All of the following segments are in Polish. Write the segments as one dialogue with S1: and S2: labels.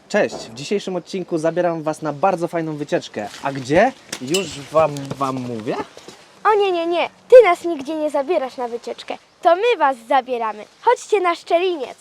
S1: Cześć! W dzisiejszym odcinku zabieram Was na bardzo fajną wycieczkę. A gdzie? Już wam mówię?
S2: O nie, ty nas nigdzie nie zabierasz na wycieczkę. To my was zabieramy. Chodźcie na Szczeliniec.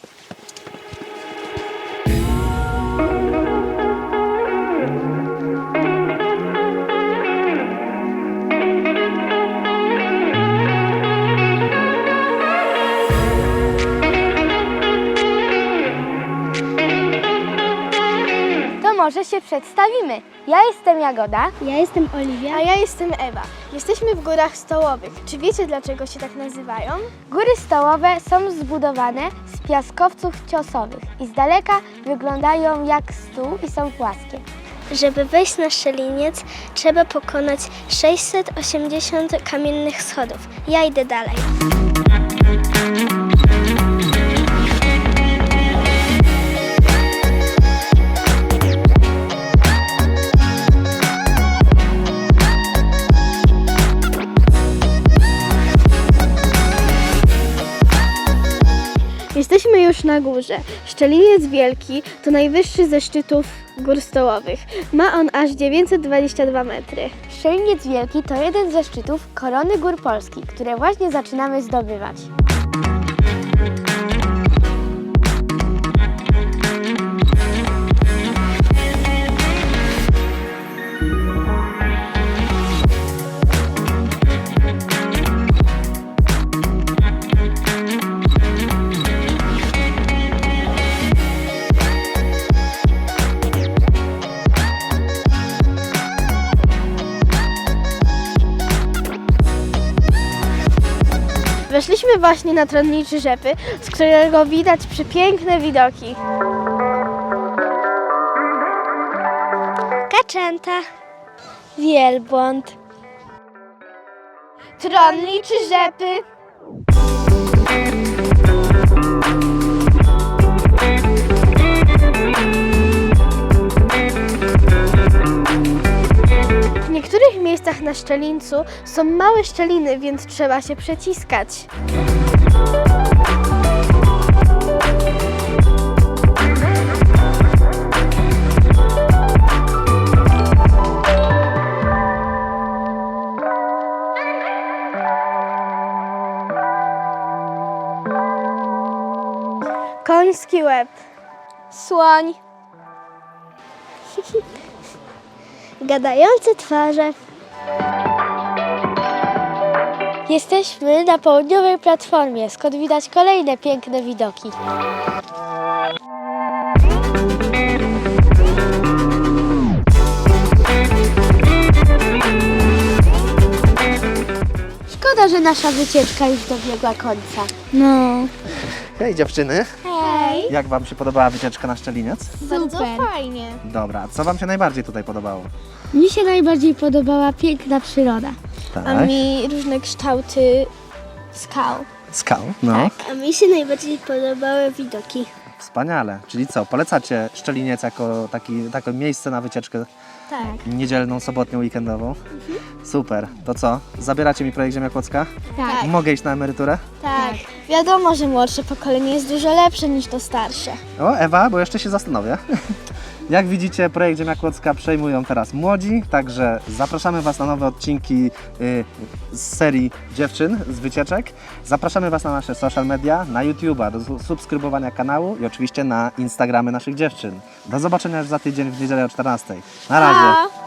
S2: To może się przedstawimy. Ja jestem Jagoda.
S3: Ja jestem Oliwia.
S2: A ja jestem Ewa. Jesteśmy w Górach Stołowych. Czy wiecie, dlaczego się tak nazywają? Góry Stołowe są zbudowane z piaskowców ciosowych i z daleka wyglądają jak stół i są płaskie.
S3: Żeby wejść na Szczeliniec, trzeba pokonać 680 kamiennych schodów. Ja idę dalej.
S2: Jesteśmy już na górze. Szczeliniec Wielki to najwyższy ze szczytów Gór Stołowych. Ma on aż 922 metry. Szczeliniec Wielki to jeden ze szczytów Korony Gór Polski, które właśnie zaczynamy zdobywać. Weszliśmy właśnie na tronniczy rzepy, z którego widać przepiękne widoki.
S3: Kaczęta.
S2: Wielbłąd. Tronniczy rzepy. W niektórych miejscach na Szczelińcu są małe szczeliny, więc trzeba się przeciskać. Koński łeb. Słoń.
S3: Gadające twarze.
S2: Jesteśmy na południowej platformie, skąd widać kolejne piękne widoki. Szkoda, że nasza wycieczka już dobiegła końca.
S3: No.
S1: Hej dziewczyny!
S2: Hej!
S1: Jak Wam się podobała wycieczka na Szczeliniec?
S2: Bardzo fajnie.
S1: Dobra, co Wam się najbardziej tutaj podobało?
S3: Mi się najbardziej podobała piękna przyroda.
S1: Tak.
S2: A mi różne kształty skał.
S1: Skał? No.
S3: A mi się najbardziej podobały widoki.
S1: Wspaniale. Czyli co, polecacie Szczeliniec jako takie miejsce na wycieczkę
S2: Tak.
S1: niedzielną, sobotnią, weekendową? Super. To co, zabieracie mi projekt Ziemia Kłodzka?
S2: Tak.
S1: Mogę iść na emeryturę?
S2: Tak. Wiadomo, że młodsze pokolenie jest dużo lepsze niż to starsze.
S1: O, Ewa, bo jeszcze się zastanowię. Jak widzicie, projekt Ziemia Kłodzka przejmują teraz młodzi, także zapraszamy Was na nowe odcinki z serii dziewczyn z wycieczek. Zapraszamy Was na nasze social media, na YouTube'a, do subskrybowania kanału i oczywiście na Instagramy naszych dziewczyn. Do zobaczenia już za tydzień w niedzielę o 14:00. Na razie!
S2: Pa!